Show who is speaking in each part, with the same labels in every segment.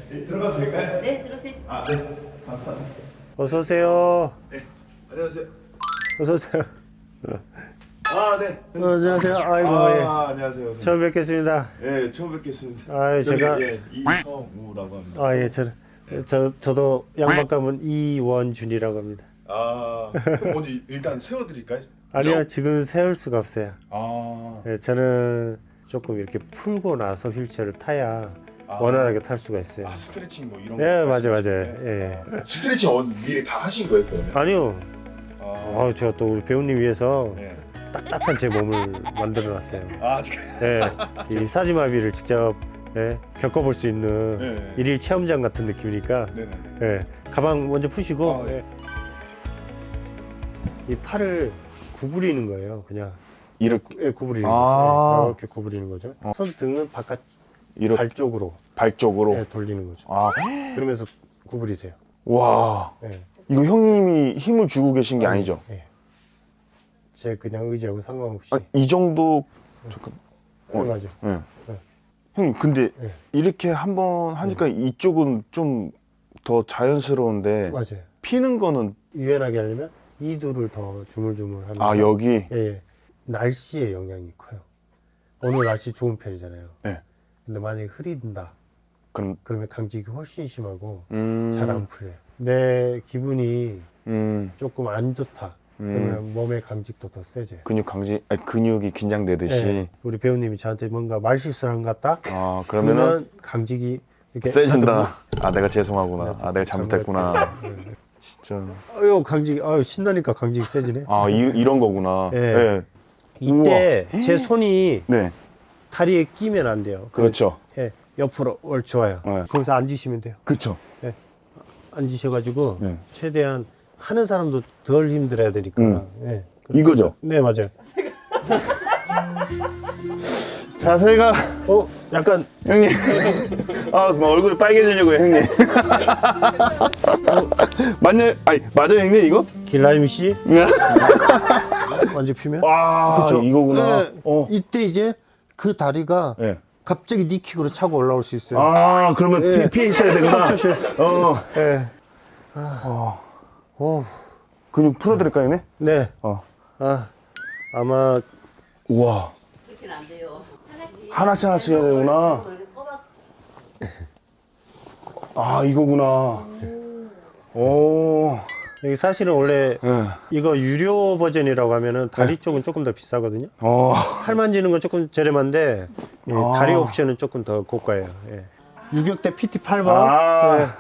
Speaker 1: 네, 들어가도 될까요?
Speaker 2: 네, 들어오세요.
Speaker 1: 아, 네. 감사합니다.
Speaker 3: 어서 오세요.
Speaker 1: 네. 안녕하세요.
Speaker 3: 어서 오세요.
Speaker 1: 아, 네.
Speaker 3: 안녕하세요. 아이고 예.
Speaker 1: 안녕하세요.
Speaker 3: 처음 뵙겠습니다.
Speaker 1: 예, 처음 뵙겠습니다.
Speaker 3: 아,
Speaker 1: 저기,
Speaker 3: 제가
Speaker 1: 예, 이성우라고 합니다.
Speaker 3: 아 예, 저도 양반감은 이원준이라고 합니다.
Speaker 1: 아, 그럼 먼저 일단 세워드릴까요?
Speaker 3: 아니요, 지금 세울 수가 없어요.
Speaker 1: 아,
Speaker 3: 예, 저는 조금 이렇게 풀고 나서 휠체어를 타야
Speaker 1: 아.
Speaker 3: 원활하게 탈 수가 있어요.
Speaker 1: 아 스트레칭 뭐 이런
Speaker 3: 예,
Speaker 1: 거.
Speaker 3: 맞아요.
Speaker 1: 하시는 거예요?
Speaker 3: 예.
Speaker 1: 스트레칭 미리 다 하신 거예요, 그러면?
Speaker 3: 아니요.
Speaker 1: 아,
Speaker 3: 제가 또 우리 배우님 위해서
Speaker 1: 네.
Speaker 3: 딱딱한 제 몸을 만들어 놨어요.
Speaker 1: 아, 지금.
Speaker 3: 예, 이 사지마비를 직접 겪어볼 수 있는
Speaker 1: 네.
Speaker 3: 일일 체험장 같은 느낌이니까
Speaker 1: 네네.
Speaker 3: 예, 가방 먼저 푸시고
Speaker 1: 아, 예.
Speaker 3: 이 팔을 구부리는 거예요. 그냥
Speaker 1: 이렇게
Speaker 3: 구부리는
Speaker 1: 아.
Speaker 3: 거죠. 이렇게 구부리는 거죠. 손등은 바깥
Speaker 1: 이렇게
Speaker 3: 발 쪽으로
Speaker 1: 발 쪽으로.
Speaker 3: 돌리는 거죠.
Speaker 1: 아,
Speaker 3: 그러면서 구부리세요.
Speaker 1: 와.
Speaker 3: 예.
Speaker 1: 이거 형님이 힘을 주고 계신 게 아니죠?
Speaker 3: 예. 제 그냥 의지하고 상관없이.
Speaker 1: 아, 이 정도 잠깐.
Speaker 3: 맞아.
Speaker 1: 예.
Speaker 3: 네.
Speaker 1: 형님 근데
Speaker 3: 네.
Speaker 1: 이렇게 한번 하니까 이쪽은 좀 더 자연스러운데
Speaker 3: 맞아요.
Speaker 1: 피는 거는
Speaker 3: 유연하게 하려면 이두를 더 주물주물하면
Speaker 1: 아 여기
Speaker 3: 예, 예. 날씨의 영향이 커요. 오늘 날씨 좋은 편이잖아요.
Speaker 1: 네.
Speaker 3: 근데 만약에 흐린다
Speaker 1: 그럼
Speaker 3: 그러면 강직이 훨씬 심하고
Speaker 1: 음,
Speaker 3: 잘 안 풀려요. 내 기분이
Speaker 1: 음,
Speaker 3: 조금 안 좋다 그러면 몸의 강직도 더 세져요.
Speaker 1: 근육 강지 아니, 근육이 긴장되듯이
Speaker 3: 예. 우리 배우님이 저한테 뭔가 말실수를 한 것 같다
Speaker 1: 아 그러면은
Speaker 3: 그러면 강직이 이렇게
Speaker 1: 세진다. 아 내가 죄송하구나.
Speaker 3: 네,
Speaker 1: 아 내가 잘못했구나.
Speaker 3: 예.
Speaker 1: 진짜.
Speaker 3: 아유 강직이 신나니까 강직이 세지네.
Speaker 1: 아 이런 거구나.
Speaker 3: 예.
Speaker 1: 네.
Speaker 3: 이때 제 손이
Speaker 1: 네.
Speaker 3: 다리에 끼면 안 돼요.
Speaker 1: 그렇죠.
Speaker 3: 예, 옆으로 좋아요.
Speaker 1: 네.
Speaker 3: 거기서 앉으시면 돼요.
Speaker 1: 그렇죠.
Speaker 3: 앉으셔가지고
Speaker 1: 네.
Speaker 3: 최대한 하는 사람도 덜 힘들어야 되니까. 예.
Speaker 1: 이거죠?
Speaker 3: 네, 맞아요.
Speaker 1: 자세가
Speaker 3: 약간
Speaker 1: 형님. 아, 뭐 얼굴이 빨개지려고요, 형님. 맞아요, 형님 이거?
Speaker 3: 길라임 씨
Speaker 1: 네.
Speaker 3: 완전 피면.
Speaker 1: 와,
Speaker 3: 그쵸?
Speaker 1: 이거구나.
Speaker 3: 네, 이때 이제 그 다리가
Speaker 1: 네.
Speaker 3: 갑자기 니킥으로 차고 올라올 수 있어요.
Speaker 1: 아, 그러면
Speaker 3: 네.
Speaker 1: 피해 있어야 되구나.
Speaker 3: 턱 조심.
Speaker 1: 어.
Speaker 3: 예.
Speaker 1: 근육 풀어드릴까요, 형님?
Speaker 3: 네. 아마
Speaker 1: 우와.
Speaker 2: 그렇게는 안 돼요.
Speaker 1: 하나씩 해야 되구나.
Speaker 2: 꼬박
Speaker 1: 아, 이거구나. 오.
Speaker 3: 여기 사실은 원래
Speaker 1: 예.
Speaker 3: 이거 유료 버전이라고 하면은 다리 쪽은 조금 더 비싸거든요. 팔 만지는 건 조금 저렴한데 다리 옵션은 조금 더 고가예요. 예. 유격대 PT 8번.
Speaker 1: 아.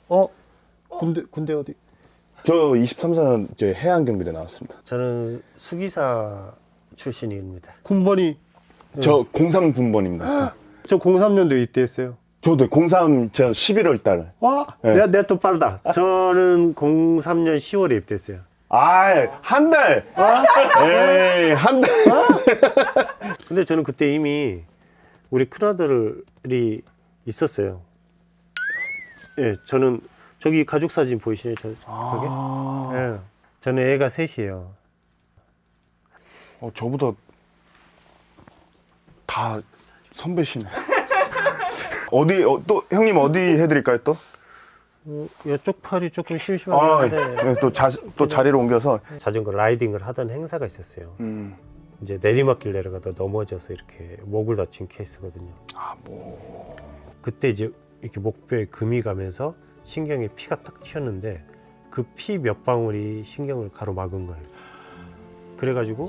Speaker 3: 군대 어디?
Speaker 1: 저 23년 저 해양경비대 나왔습니다.
Speaker 3: 저는 수기사 출신입니다. 군번이
Speaker 1: 저 03군번입니다.
Speaker 3: 저 03년도에 입대했어요.
Speaker 1: 저도 03, 저 11월 달.
Speaker 3: 와,
Speaker 1: 네.
Speaker 3: 내가 또 빠르다. 저는 03년 10월에 입대했어요.
Speaker 1: 한 달. 에이, 한 달.
Speaker 3: 근데 저는 그때 이미 우리 큰아들이 있었어요. 예, 저는 저기 가족 사진 보이시나요? 저게? 예, 저는 애가 셋이에요.
Speaker 1: 저보다 다 선배시네. 어디, 또, 형님 어디 해드릴까요, 또?
Speaker 3: 이쪽 팔이 조금 심심한데
Speaker 1: 네, 또 자리를 옮겨서.
Speaker 3: 자전거 라이딩을 하던 행사가 있었어요. 이제 내리막길 내려가다 넘어져서 이렇게 목을 다친 케이스거든요. 그때 이제 이렇게 목뼈에 금이 가면서 신경에 피가 딱 튀었는데 그 피 몇 방울이 신경을 가로막은 거예요. 그래가지고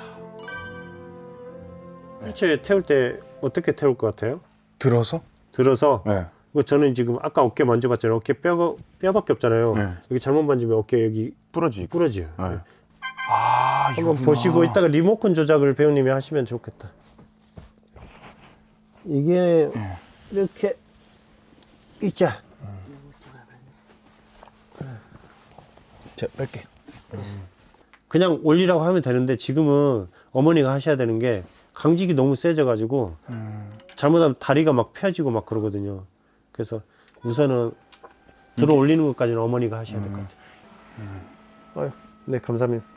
Speaker 3: 휠체어에 태울 때 어떻게 태울 것 같아요?
Speaker 1: 들어서?
Speaker 3: 들어서
Speaker 1: 네.
Speaker 3: 저는 지금 아까 어깨 만져봤잖아요. 어깨 뼈밖에 없잖아요.
Speaker 1: 네.
Speaker 3: 여기 잘못 만지면 어깨 여기
Speaker 1: 부러지고.
Speaker 3: 부러져요.
Speaker 1: 네.
Speaker 3: 한번 보시고 이따가 리모컨 조작을 배우님이 하시면 좋겠다. 이게 이렇게 있자.
Speaker 1: 제가 뺄게.
Speaker 3: 그냥 올리라고 하면 되는데 지금은 어머니가 하셔야 되는 게 강직이 너무 세져가지고 잘못하면 다리가 막 펴지고 막 그러거든요. 그래서 우선은 들어 올리는 것까지는 어머니가 하셔야 될 것 같아요. 네, 감사합니다.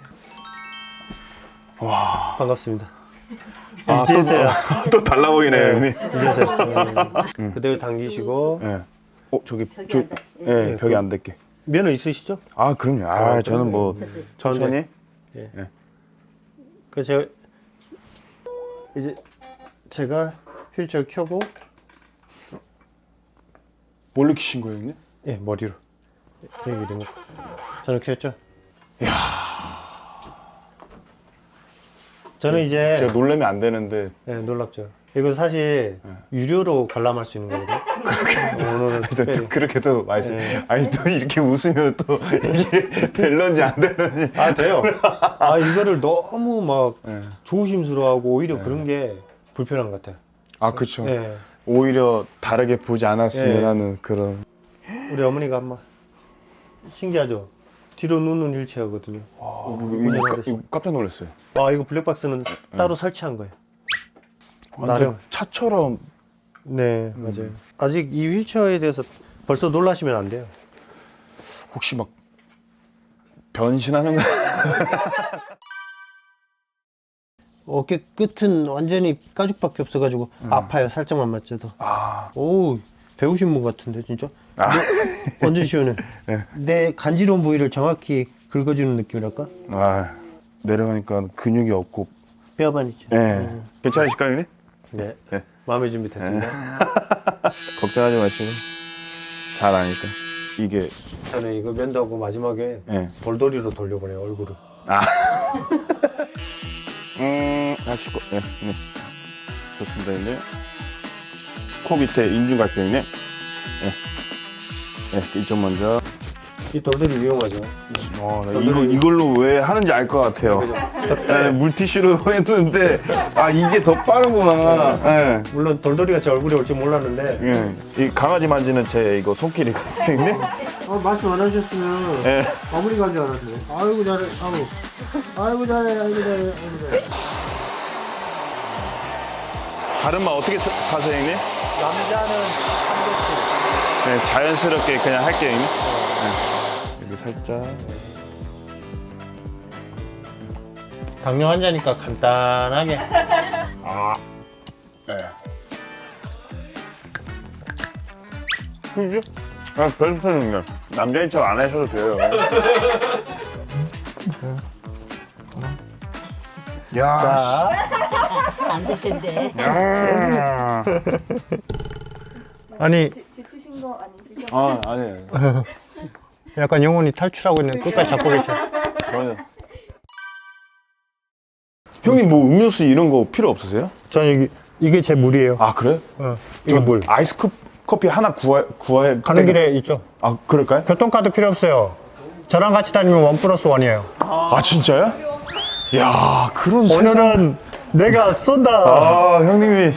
Speaker 1: 와.
Speaker 3: 반갑습니다.
Speaker 1: 또 달라 보이네요, 형님.
Speaker 3: 이제세요. 그대로 당기시고
Speaker 1: 네. 저기
Speaker 2: 벽에
Speaker 1: 저,
Speaker 2: 앉아.
Speaker 1: 예, 벽에 안 닿게.
Speaker 3: 면허 있으시죠?
Speaker 1: 아, 그럼요. 아, 저는 뭐
Speaker 2: 됐어요.
Speaker 1: 천천히.
Speaker 3: 그래서 이제 제가 휠체어 켜고
Speaker 1: 뭘로 키신 거예요, 형님?
Speaker 3: 예 머리로 이렇게 된 거. 저는 켰죠. 저는 이제
Speaker 1: 제가 놀라면 안 되는데.
Speaker 3: 예, 놀랍죠. 이거 사실 유료로 관람할 수 있는 거거든요. 오늘은
Speaker 1: 또
Speaker 3: 특별히.
Speaker 1: 그렇게도 맛있어.
Speaker 3: 네.
Speaker 1: 아니 또 이렇게 웃으면 또 이게 될런지 안 될런지.
Speaker 3: 아 돼요. 아 이거를 너무 막
Speaker 1: 예.
Speaker 3: 조심스러워하고 오히려 그런 게 불편한 것 같아요.
Speaker 1: 아, 그렇죠.
Speaker 3: 예.
Speaker 1: 오히려 다르게 보지 않았으면
Speaker 3: 예.
Speaker 1: 하는 그런.
Speaker 3: 우리 어머니가 한번 신기하죠. 뒤로 눕는 휠체어거든요.
Speaker 1: 이거 깜짝 놀랐어요.
Speaker 3: 아 이거 블랙박스는 따로 설치한 거예요.
Speaker 1: 완전
Speaker 3: 나름.
Speaker 1: 차처럼.
Speaker 3: 네 맞아요. 아직 이 휠체어에 대해서 벌써 놀라시면 안 돼요.
Speaker 1: 혹시 막 변신하는 거?
Speaker 3: 어깨 끝은 완전히 가죽밖에 없어가지고 아파요. 살짝만 맞춰도.
Speaker 1: 아,
Speaker 3: 오 배우신 분 같은데 진짜.
Speaker 1: 아.
Speaker 3: 완전 시원해.
Speaker 1: 네.
Speaker 3: 내 간지러운 부위를 정확히 긁어주는 느낌이랄까?
Speaker 1: 아, 내려가니까 근육이 없고.
Speaker 3: 뼈만 있죠.
Speaker 1: 예. 괜찮으실까요, 형님?
Speaker 3: 네.
Speaker 1: 네.
Speaker 3: 마음의 준비 됐습니다.
Speaker 1: 걱정하지 마시고. 잘 아니까. 이게.
Speaker 3: 저는 이거 면도하고 마지막에
Speaker 1: 예.
Speaker 3: 돌돌이로 돌려보내요 얼굴을.
Speaker 1: 하시고. 예. 네. 좋습니다, 형님. 코 밑에 인중갈등이네. 예. 예, 이쪽 먼저.
Speaker 3: 이 돌돌이 위험하죠.
Speaker 1: 나 이걸로 왜 하는지 알 것 같아요. 예, 물티슈로 했는데, 아, 이게 더 빠르구나. 예.
Speaker 3: 물론 돌돌이가 제 얼굴에 올 줄 몰랐는데.
Speaker 1: 예. 이 강아지 만지는 제 이거 손길이거든요.
Speaker 3: 말씀 안 하셨으면
Speaker 1: 예.
Speaker 3: 아무리 간줄 알았네. 아이고 잘해. 아이고 잘해. 아이고 잘해. 아이고 잘해.
Speaker 1: 다른 말 어떻게 하세요, 형님?
Speaker 3: 남자는 한 개씩.
Speaker 1: 네, 자연스럽게 그냥 할게요, 형님. 네. 여기 살짝.
Speaker 3: 당뇨 환자니까 간단하게.
Speaker 1: 네. 그죠? 아, 별풍선이요. 남자인 척 안 하셔도 돼요. 야,
Speaker 2: 안 될 텐데.
Speaker 1: 야.
Speaker 3: 아니
Speaker 4: 지치신 거 아니시죠?
Speaker 1: 아, 아니에요.
Speaker 3: 약간 영혼이 탈출하고 있는 끝까지 잡고 계셔.
Speaker 1: 전혀. 형님 뭐 음료수 이런 거 필요 없으세요?
Speaker 3: 저는 이게 제 물이에요.
Speaker 1: 아, 그래요?
Speaker 3: 이게 물.
Speaker 1: 아이스 커피 하나 구할
Speaker 3: 가는
Speaker 1: 때가-
Speaker 3: 길에 있죠.
Speaker 1: 아, 그럴까요?
Speaker 3: 교통카드 필요 없어요. 저랑 같이 다니면 1+1이에요.
Speaker 1: 아, 진짜요? 야, 그런 세상.
Speaker 3: 오늘은 내가 쏜다.
Speaker 1: 아, 형님이.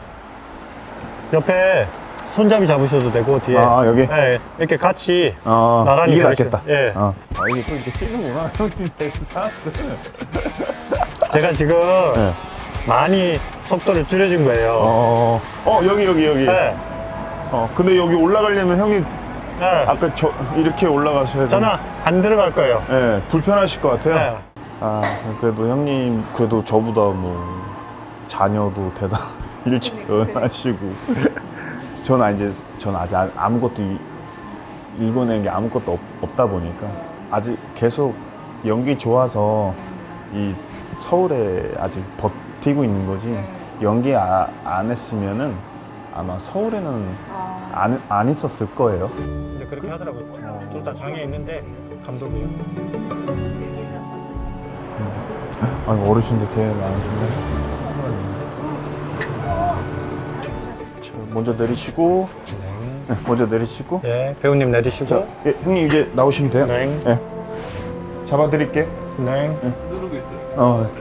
Speaker 3: 옆에 손잡이 잡으셔도 되고 뒤에.
Speaker 1: 아, 여기?
Speaker 3: 네, 이렇게 같이
Speaker 1: 아,
Speaker 3: 나란히
Speaker 1: 이게
Speaker 3: 가르쳐.
Speaker 1: 낫겠다.
Speaker 3: 예.
Speaker 1: 아, 이게 또 이렇게 뛰는구나. 형님, 사람들.
Speaker 3: 제가 지금
Speaker 1: 네.
Speaker 3: 많이 속도를 줄여준 거예요.
Speaker 1: 여기.
Speaker 3: 네.
Speaker 1: 근데 여기 올라가려면 형님,
Speaker 3: 네.
Speaker 1: 아까 이렇게 올라가셔야 돼요.
Speaker 3: 저는 안 들어갈 거예요.
Speaker 1: 네, 불편하실 것 같아요.
Speaker 3: 네.
Speaker 1: 아, 그래도 형님, 그래도 저보다 뭐, 자녀도 대단, 일찍 결혼하시고. 저는 아직 아무것도 읽어낸 게 아무것도 없다 보니까, 아직 계속 연기 좋아서 이 서울에 아직 버티고 있는 거지, 연기 안 했으면은 아마 서울에는 안 있었을 거예요.
Speaker 3: 근데 그렇게 하더라고요. 둘 다 장애 있는데 감독이에요.
Speaker 1: 아니, 어르신들 되게 많으신데. 자, 먼저 내리시고. 네, 먼저 내리시고.
Speaker 3: 예, 배우님 내리시고.
Speaker 1: 자, 예, 형님 이제 나오시면 돼요.
Speaker 3: 네.
Speaker 1: 예. 잡아드릴게요.
Speaker 3: 네.
Speaker 1: 누르고 있어요.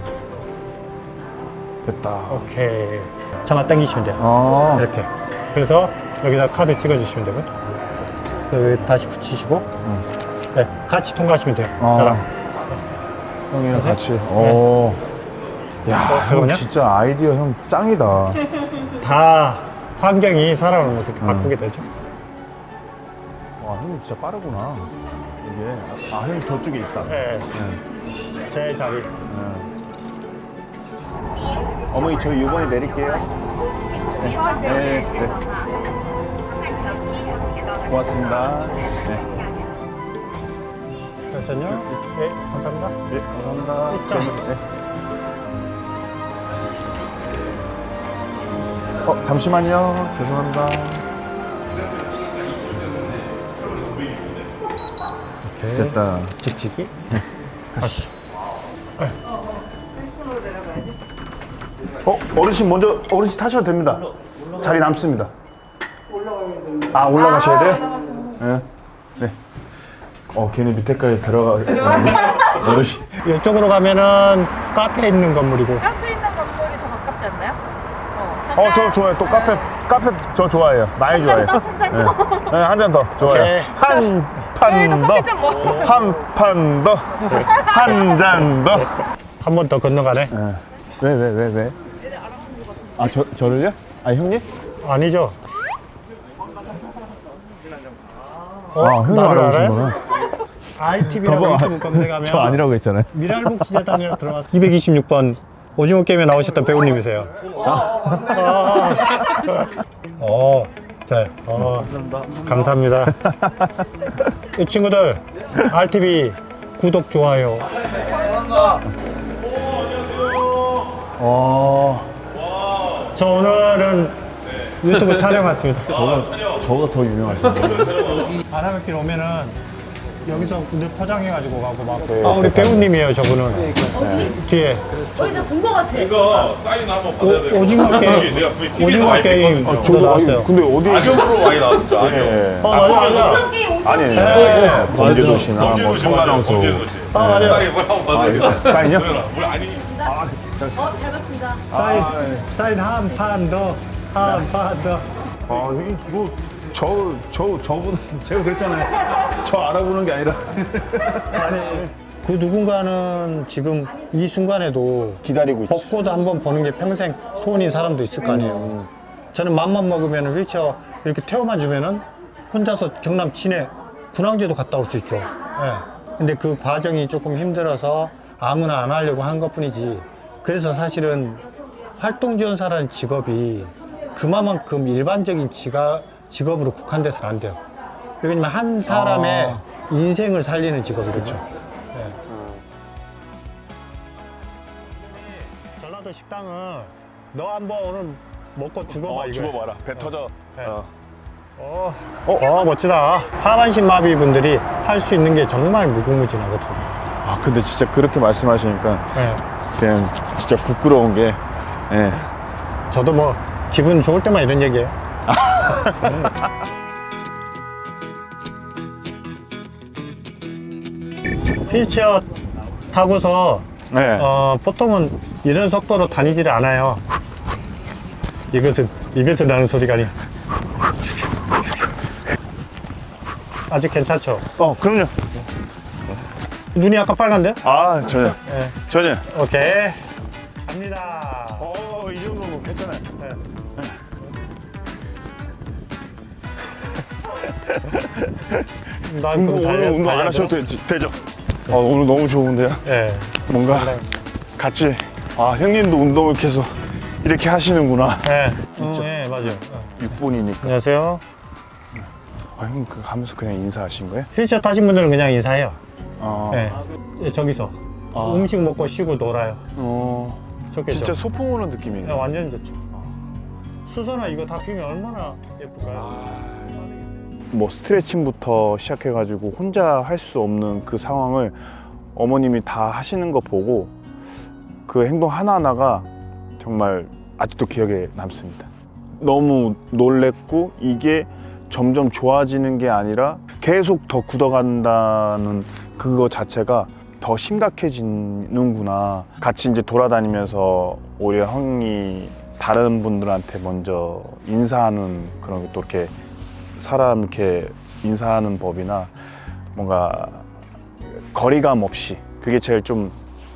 Speaker 1: 됐다.
Speaker 3: 오케이. 잡아 당기시면 돼요.
Speaker 1: 아,
Speaker 3: 이렇게. 그래서 여기다 카드 찍어주시면 되고. 여기 다시 붙이시고. 네, 같이 통과하시면 돼요. 저랑.
Speaker 1: 형이랑
Speaker 3: 그래서?
Speaker 1: 같이. 오. 야, 형
Speaker 3: 잠깐만요.
Speaker 1: 진짜 아이디어 형 짱이다.
Speaker 3: 다 환경이 사람을 뭐 그렇게 바꾸게 되죠.
Speaker 1: 와, 형님 진짜 빠르구나. 이게. 아, 형님 저쪽에 있다.
Speaker 3: 네.
Speaker 1: 네.
Speaker 3: 제 자리.
Speaker 1: 어머니, 저희 이번에 내릴게요. 네. 네. 네. 고맙습니다. 네,
Speaker 3: 잠시만요. 네, 감사합니다.
Speaker 1: 네 감사합니다.
Speaker 3: 있죠?
Speaker 1: 네. 잠시만요. 죄송합니다.
Speaker 3: 오케이.
Speaker 1: 됐다.
Speaker 3: 직직이? 가시죠.
Speaker 4: 1층으로 내려가야지.
Speaker 1: 어르신 먼저 어르신 타셔도 됩니다. 자리 남습니다. 올라가셔야 돼요? 네. 네. 걔네 밑에까지 들어가. 어르신.
Speaker 3: 이쪽으로 가면은 카페 있는 건물이고.
Speaker 4: 카페 있는 건물이 더 가깝지 않나요?
Speaker 1: 저 좋아요. 또 카페 저 좋아해요. 많이 좋아해요. 한 잔 더 좋아요.
Speaker 3: 오케이.
Speaker 1: 한 판 더. 한 판 더. 한 잔 더.
Speaker 3: 한 번 더 건너가네.
Speaker 1: 왜? 저를요? 형님?
Speaker 3: 아니죠.
Speaker 1: 형님
Speaker 3: 나를
Speaker 1: 알아보신
Speaker 3: 알아요?
Speaker 1: 거구나.
Speaker 3: ITV라고 유튜브 검색하면
Speaker 1: 저 아니라고 했잖아요.
Speaker 3: 미랄복지재단이라고 들어가서 226번 오징어 게임에 나오셨던 배우님이세요. 감사합니다. 이 친구들 RTV 구독 좋아요. 저 오늘은 유튜브 촬영 왔습니다.
Speaker 1: 저가 더 유명하신데.
Speaker 3: 바람길 오면은 여기서 군대 포장해가지고 가고 막. 우리 배우님이에요, 저분은. 뒤에.
Speaker 4: 본거 같아.
Speaker 5: 이거 사인 한번 받아야 될 것
Speaker 3: 오징어
Speaker 5: 같아요.
Speaker 3: 게임.
Speaker 5: 내가 VTV에서
Speaker 3: 오징어
Speaker 5: 많이
Speaker 3: 게임.
Speaker 5: 봤거든요.
Speaker 3: 저도 나왔어요.
Speaker 1: 근데 어디?
Speaker 5: 악역으로 많이 나왔죠. 악역.
Speaker 1: 예.
Speaker 3: 맞아.
Speaker 1: 아니, 범죄도시나 뭐
Speaker 5: 범죄도시
Speaker 1: 성관왕소.
Speaker 5: 맞아요. 범죄도시.
Speaker 3: 맞아요.
Speaker 5: 사인 뭘 한번 받아야 돼.
Speaker 1: 사인요?
Speaker 5: 뭘 아니.
Speaker 4: 잘 봤습니다.
Speaker 3: 사인 한 판 더. 한 판 더.
Speaker 1: 저분 제가 그랬잖아요. 저 알아보는 게 아니라
Speaker 3: 아니, 그 누군가는 지금 이 순간에도
Speaker 1: 기다리고 있어.
Speaker 3: 벚꽃 한번 보는 게 평생 소원인 사람도 있을 거 아니에요. 저는 맘만 먹으면 휠체어 이렇게 태워만 주면은 혼자서 경남 진해 군항제도 갔다 올 수 있죠. 예. 근데 그 과정이 조금 힘들어서 아무나 안 하려고 한 것 뿐이지. 그래서 사실은 활동지원사라는 직업이 그만큼 일반적인 직업으로 국한돼서는 안 돼요. 왜냐면 한 사람의 인생을 살리는 직업이거든요. 네. 전라도 식당은 너 한번 오늘 먹고 죽어봐 이거.
Speaker 1: 죽어봐라. 배 터져.
Speaker 3: 네. 멋지다. 하반신 마비 분들이 할 수 있는 게 정말 무궁무진하거든요.
Speaker 1: 근데 진짜 그렇게 말씀하시니까
Speaker 3: 네.
Speaker 1: 그냥 진짜 부끄러운 게. 예.
Speaker 3: 저도 뭐 기분 좋을 때만 이런 얘기해요. 휠체어 타고서
Speaker 1: 네.
Speaker 3: 보통은 이런 속도로 다니지를 않아요. 이것은 입에서 나는 소리가 아니야. 아직 괜찮죠?
Speaker 1: 그럼요.
Speaker 3: 눈이 약간 빨간데?
Speaker 1: 전혀.
Speaker 3: 네.
Speaker 1: 전혀.
Speaker 3: 오케이. 갑니다.
Speaker 1: 이 정도면 괜찮아요.
Speaker 3: 네. 나
Speaker 1: 오늘 운동 안 하셔도 되죠? 오늘 너무 좋은데요?
Speaker 3: 네.
Speaker 1: 뭔가 같이, 형님도 운동을 계속 이렇게 하시는구나.
Speaker 3: 네. 네, 맞아요.
Speaker 1: 6분이니까.
Speaker 3: 안녕하세요.
Speaker 1: 형님 하면서 그냥 인사하신 거예요?
Speaker 3: 휠체어 타신 분들은 그냥 인사해요.
Speaker 1: 네.
Speaker 3: 네. 저기서 음식 먹고 쉬고 놀아요. 좋겠죠?
Speaker 1: 진짜 소풍 오는 느낌이네요.
Speaker 3: 네, 완전 좋죠. 수선화 이거 다 피면 얼마나 예쁠까요?
Speaker 1: 뭐 스트레칭부터 시작해가지고 혼자 할 수 없는 그 상황을 어머님이 다 하시는 거 보고 그 행동 하나하나가 정말 아직도 기억에 남습니다. 너무 놀랬고 이게 점점 좋아지는 게 아니라 계속 더 굳어간다는 그거 자체가 더 심각해지는구나. 같이 이제 돌아다니면서 오히려 형이 다른 분들한테 먼저 인사하는 그런 게 또 이렇게 사람 이렇게 인사하는 법이나 뭔가 거리감 없이 그게 제일 좀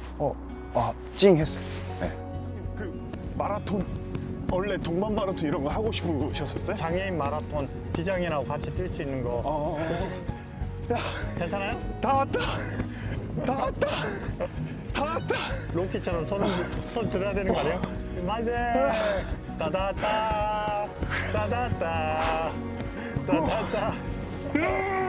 Speaker 1: 찡했어요. 네. 그 마라톤 원래 동반 마라톤 이런 거 하고 싶으셨었어요?
Speaker 3: 장애인 마라톤 비장애인하고 같이 뛸 수 있는 거 괜찮아요?
Speaker 1: 다 왔다. 다 왔다. 다 왔다.
Speaker 3: 로키처럼 손 들어야 되는 거 아니에요? 맞아. 따다따 따다따 따다따
Speaker 1: 야!